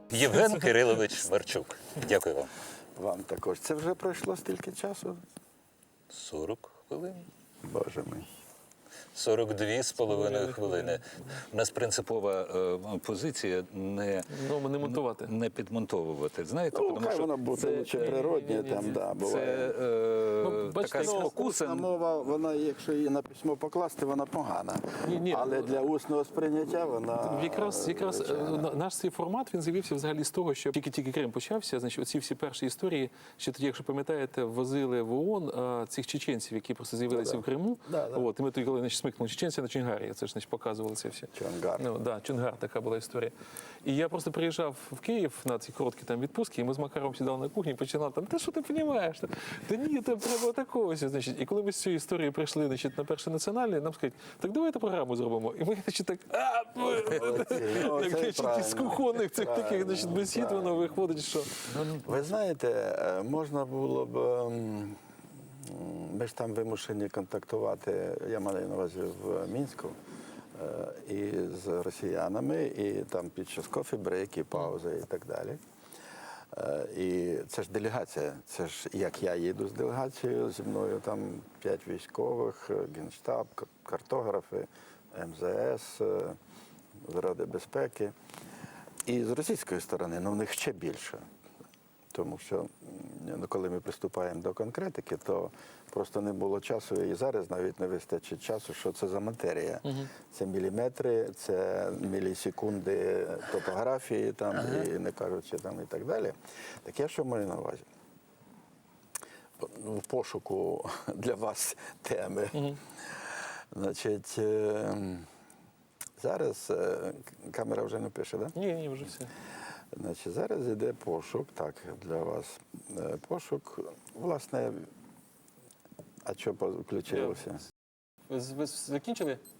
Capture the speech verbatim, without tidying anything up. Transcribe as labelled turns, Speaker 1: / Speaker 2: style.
Speaker 1: Євген Кирилович Марчук. Дякую вам.
Speaker 2: Вам також. Це вже пройшло стільки часу?
Speaker 1: сорок хвилин.
Speaker 2: Боже мій.
Speaker 1: сорок дві з половиною хвилини. У нас принципова е, позиція не,
Speaker 3: Ну, не монтувати.
Speaker 1: не підмонтовувати. Знаєте,
Speaker 2: Ну,
Speaker 1: тому
Speaker 2: хай
Speaker 1: що
Speaker 2: воно буде лучше природнє,
Speaker 3: ні, ні,
Speaker 2: там,
Speaker 3: ні.
Speaker 2: да,
Speaker 1: це
Speaker 2: буває.
Speaker 1: е,
Speaker 3: Ну, бачите,
Speaker 1: така
Speaker 3: ну,
Speaker 1: спокуса.
Speaker 2: Усна мова, вона, якщо її на письмо покласти, вона погана.
Speaker 3: Ні, ні.
Speaker 2: Але для усного сприйняття вона...
Speaker 3: Якраз, якраз е,
Speaker 2: звичайно.
Speaker 3: на- наш цей формат, він з'явився взагалі з того, що тільки-тільки Крим почався, значить, оці всі перші історії, ще тоді, якщо пам'ятаєте, возили в ООН а, цих чеченців, які просто з'явилися
Speaker 2: Да-да.
Speaker 3: в Криму.
Speaker 2: Да-да.
Speaker 3: От, і ми тоді, коли значить, смикнули чеченця на Чонгарі, це ж значить, показували це все.
Speaker 2: Чонгар.
Speaker 3: Ну, да, Чонгар, така була історія. І я просто приїжджав в Київ на ці короткі там відпустки, і ми з Макаром сідали на кухні і починали там, та що ти розумієш? Та ні, там треба такого. Значить. І коли ми з цієї історії прийшли значить, на перший національний, нам сказали, так давайте програму зробимо. І ми значить, так, а,
Speaker 2: Ну,
Speaker 3: так,
Speaker 2: це
Speaker 3: значить, з
Speaker 2: правильно.
Speaker 3: кухонних цих таких
Speaker 2: Правильно,
Speaker 3: значить, бесід, воно
Speaker 2: правильно.
Speaker 3: виходить, що...
Speaker 2: Ви знаєте, е, можна було б... ем, Ми ж там вимушені контактувати, я маю на увазі в Мінську, е, і з росіянами, і там під час кофі-брейки, паузи і так далі. Е, І це ж делегація, це ж як я їду з делегацією, зі мною там п'ять військових, Генштаб, картографи, ем зе ес, е, з Ради безпеки. І з російської сторони, ну в них ще більше. Тому що ну, коли ми приступаємо до конкретики, то просто не було часу, і зараз навіть не вистачить часу, що це за матерія. Угу. Це міліметри, це мілісекунди топографії, там, ага. і не кажучи там і так далі. Так я що маю на увазі? В пошуку для вас теми. Угу. Значить, е, зараз е, камера вже не пише, так? Да?
Speaker 3: Ні, ні, вже все.
Speaker 2: Значить, зараз йде пошук, так, для вас. Е, Пошук, власне, а що включилося?
Speaker 3: Ви, ви закінчили?